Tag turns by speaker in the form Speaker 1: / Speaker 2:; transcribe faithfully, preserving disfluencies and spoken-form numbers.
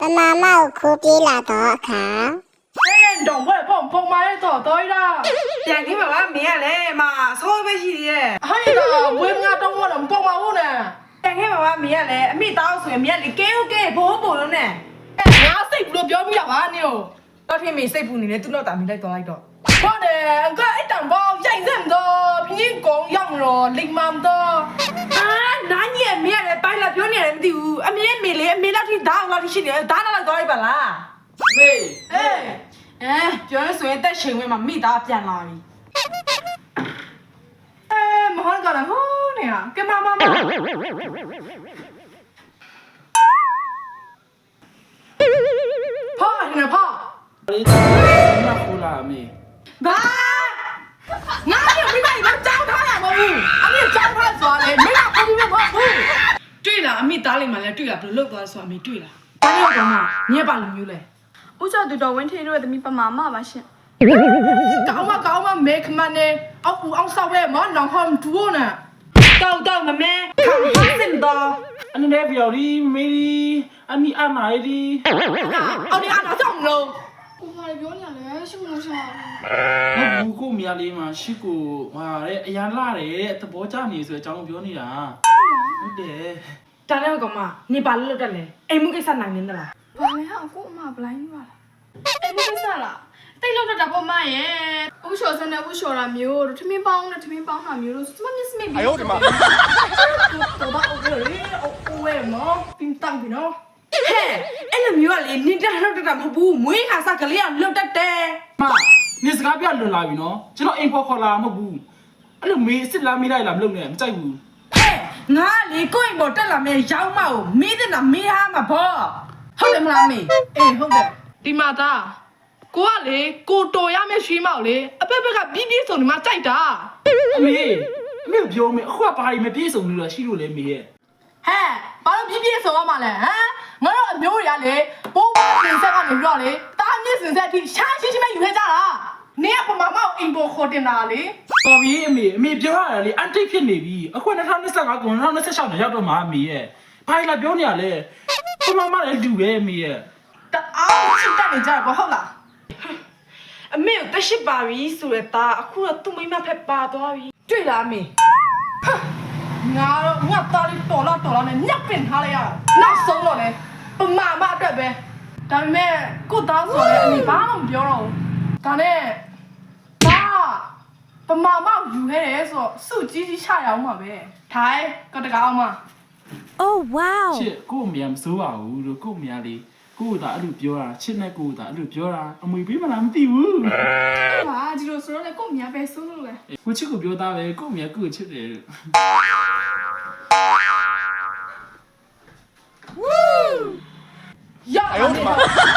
Speaker 1: 妈妈哭鼻了多卡。
Speaker 2: 哎，懂不？碰碰买多多啦。
Speaker 3: ပြန်ကြီးမှာပါမင်းကလည်းမဆောပဲရှိသေးရဲ့
Speaker 2: 哎呀，我俺中国人碰买我呢。
Speaker 3: ပြန်ကြီးမှာပါမင်းကလည်းအမိတောင်းဆိုရင်မင်းကလေကဲဟုတ်ကဲဘိုးဘိုးလုံးနဲ့
Speaker 2: 哎，俺谁不都表米了吧你哦？
Speaker 3: တော့ထင်မိစိတ်ပူနေတယ်သူတော့တာမင်းလိုက်တော့လိုက်တော့
Speaker 2: 我呢，俺一当包认真的，平时讲样咯，零万的。
Speaker 3: အာနားကြီးမင်းကလည်းပိုင်းလာပြောနေတယ်မသိဘူးအမေမေလေအမေလောက်ထိဓာတ်လောက်ထိရှိနေတယ်ဓာတ်လောက်တော့လိုက်ပါလား
Speaker 2: 喂，
Speaker 3: အေးအဲပြောရဆိုရင်တက်ချိန်ဝင်မှာမိသားပြန်လာပြီ
Speaker 2: 哎，没好搞了好呢呀，跟妈妈嘛。怕现在怕。
Speaker 4: လေးမခိုးလာမေ
Speaker 3: ဘာ
Speaker 2: 哪有没把你们糟蹋呀？我不，俺们糟蹋啥嘞？没拿回来我不。
Speaker 3: တွေ့လားအမိသားလေးမှလည်းတွေ့လားဘယ်လိုလုပ်သွားဆိုအမေတွေ့လားဘာလို့ကောင်းမှာညက်ပါလိုမျိုးလဲ
Speaker 5: ဦးကျော်သူတော်ဝင်းထေတို့ရဲ့သမီးပမာမပါရှင်
Speaker 2: 搞嘛搞嘛，没看嘛呢？俺不俺稍微嘛，然后做呢。
Speaker 3: တောက်တော့မမဲခံဖတ်စင်တော့
Speaker 4: အနေနဲ့ပြော်ဒီမေဒီအမီအမိုင်ဒီ
Speaker 2: 俺你俺哪种喽？
Speaker 5: ကိုဘာပြောနေရလဲရှုံလို့ရှာ
Speaker 4: မဘူးကိုမြလေးမှာရှိကိုဟာတဲ့အရန်လာတယ်သဘောကျနေဆိုအကြောင်းပြောနေတာဟုတ်တယ်
Speaker 3: တန်းတော့ကောင်မနေပါလို့တက်လဲအိမ်မှုကိစ္စနိုင်နေသလား
Speaker 5: ဘာလဲဟာကိုအမဘလိုင်းပါလားအဲ့မကိစ္စလားတိတ်လောက်တော့တာပေါ့မရဲ့ဥလျှော်စနဲ့ဥလျှော်တာမျိုးတို့ထမင်းပေါင်းနဲ့ထမင်းပေါင်းတာမျိုးတို့စမမျက်စမိတ်ပြီး
Speaker 2: 哎呦我的妈！走到我这里，我我嘛，冰当的喏。
Speaker 3: ဟဲ့အဲ့လိုမျိုးကလေနေတက်လောက်တက်တာမဟုတ်ဘူးမွေးခါစားကလေးကလွတ်တက်တယ်
Speaker 4: မနေစကားပြလွန်လာပြီနော်ကျွန်တော်အိမ်ဖော်ခေါ်လာမဟုတ်ဘူးအဲ့လိုမေးစစ်လားမေးလိုက်လားမလုပ်နဲ့မကြိုက်ဘူး
Speaker 3: ဟဲ့ငါလေကိုယ့်အိမ်ပေါ်တက်လာမယ်ရောင်းမကိုမေးတဲ့နာမေးဟာမှာပေါ့ဟုတ်တယ်မလားမေ
Speaker 2: 哎，好的。ဒီမှာသားကိုကလေကိုတော်ရမယ့်ရွှေမောက်လေအပက်ပက်ကပြင်းပြင်းဆုံးဒီမှာကြိုက်တာ
Speaker 4: အမေအမေပြောမေအခုကဘာကြီးမပြေဆုံးလို့ရှိလို့လေမေရဲ့
Speaker 2: ဟဲ့ဘာလို့ပြင်းပြင်းဆုံးရမှာလဲဟမ်ငါတို့အမျိုးတွေကလေပိုးပါစင်ဆက်ကနေပြီးတော့လေတားမြင့်စင်ဆက်အထိရှားရှိရှိမဲ့ယူခဲ့ကြတာနင်ကပမာမောက်အိမ်ပေါ်ခေါ်တင်တာလေ
Speaker 4: တော်ပြီအမေအမေပြောရတယ်လေအန်တိတ်ဖြစ်နေပြီအခု၂၀၂၅ကုန်၂၀၂၆နဲ့ရောက်တော့မှာအမေရဲ့ဘာကြီးလာပြောနေရလဲဘမမလည်းလူပဲအမေရဲ့
Speaker 2: တအားချစ်တက်နေကြကွာဟုတ်လား
Speaker 3: အမေကိုတက်ရှိပါပြီဆိုရတာအခုတော့သူ့မိမဖက်ပါသွားပြီတွေ့လားမေ
Speaker 2: ငါတော့ငါတားလေးတော်လာတော်လာနဲ့ညက်ပင်ထားလိုက်ရတာနောက်ဆုံးတော့လေပမာမအတွက်ပဲဒါပေမဲ့ကိုသားဆိုလည်းအမေဘာမှမပြောတော့ဘူးဒါနဲ့ဘာပမာမယူခဲ့တယ်ဆိုတော့စုကြီးကြီးချရအောင်ပါပဲထိုင်ကတကားအောင်မ
Speaker 6: Oh wow
Speaker 4: ချစ်ကို့အမေမစိုးပါဘူးလို့ကို့အမေလေးကို့တာအဲ့လိုပြောတာချစ်နဲ့ကို့တာအဲ့လိုပြောတာအမွေပေးမလားမသိဘူး
Speaker 5: ဟာဒီလိုဆိုတော့လေကိုအမြပဲဆိုးလို့လေ
Speaker 4: ကိုချစ်ကိုပြောသားပဲကို့အမေကို့ချစ်တယ်
Speaker 2: ရ哎呦我的妈